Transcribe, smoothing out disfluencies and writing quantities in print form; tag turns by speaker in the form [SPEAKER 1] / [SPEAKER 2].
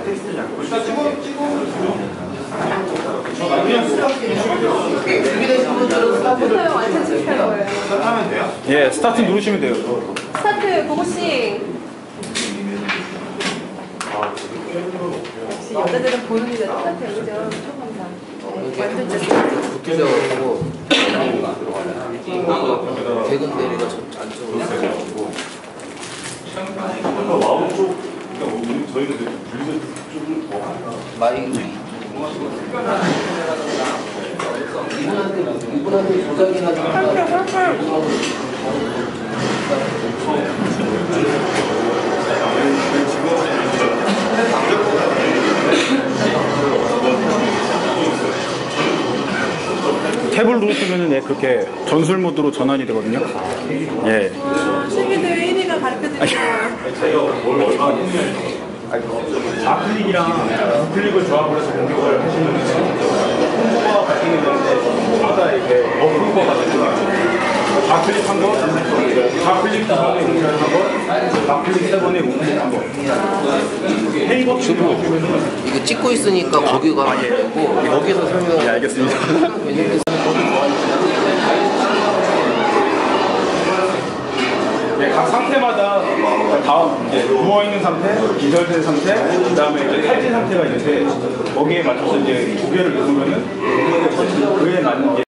[SPEAKER 1] 준비되신 분들은 스타트를
[SPEAKER 2] 완전 실패할 거예요.
[SPEAKER 3] 스타트하면 돼요?
[SPEAKER 4] 예, 스타트 누르시면 돼요.
[SPEAKER 2] 스타트 고고싱. 역시 여자들은 보는 게 스타트 여기죠. 초감사. 완전 진짜.
[SPEAKER 1] 붙으셔가지고 대근 대리가 안쪽으로 있어가지고
[SPEAKER 3] 마음 쪽, 저희는 분리대 쪽을 더 하니까.
[SPEAKER 1] 마이크 이분한테 조작이나
[SPEAKER 4] 탭을 누르시면은 예, 그렇게 전술 모드로 전환이 되거든요. 예.
[SPEAKER 2] 시민들 1위가 가르쳐드릴게요.
[SPEAKER 3] 좌클릭이랑 우클릭을 조합을 해서 공격을 하시는 콤보가 바뀌는 건데 저마다 이렇게 버프가 바뀌는 좌클릭 한 번, 좌클릭 두 번에 우클릭 한 번, 좌클릭 세 번에 우클릭 한 번. 헤이버 주부
[SPEAKER 1] 이거 찍고 있으니까 거기 가면 되고 여기서 설명.
[SPEAKER 4] 예, 알겠습니다.
[SPEAKER 3] 네, 각 상태마다 다음 이제 누워 있는 상태, 기절된 상태, 그다음에 이제 탈진 상태가 있는데 거기에 맞춰서 이제 두 개를 누르면은 그에 맞는 게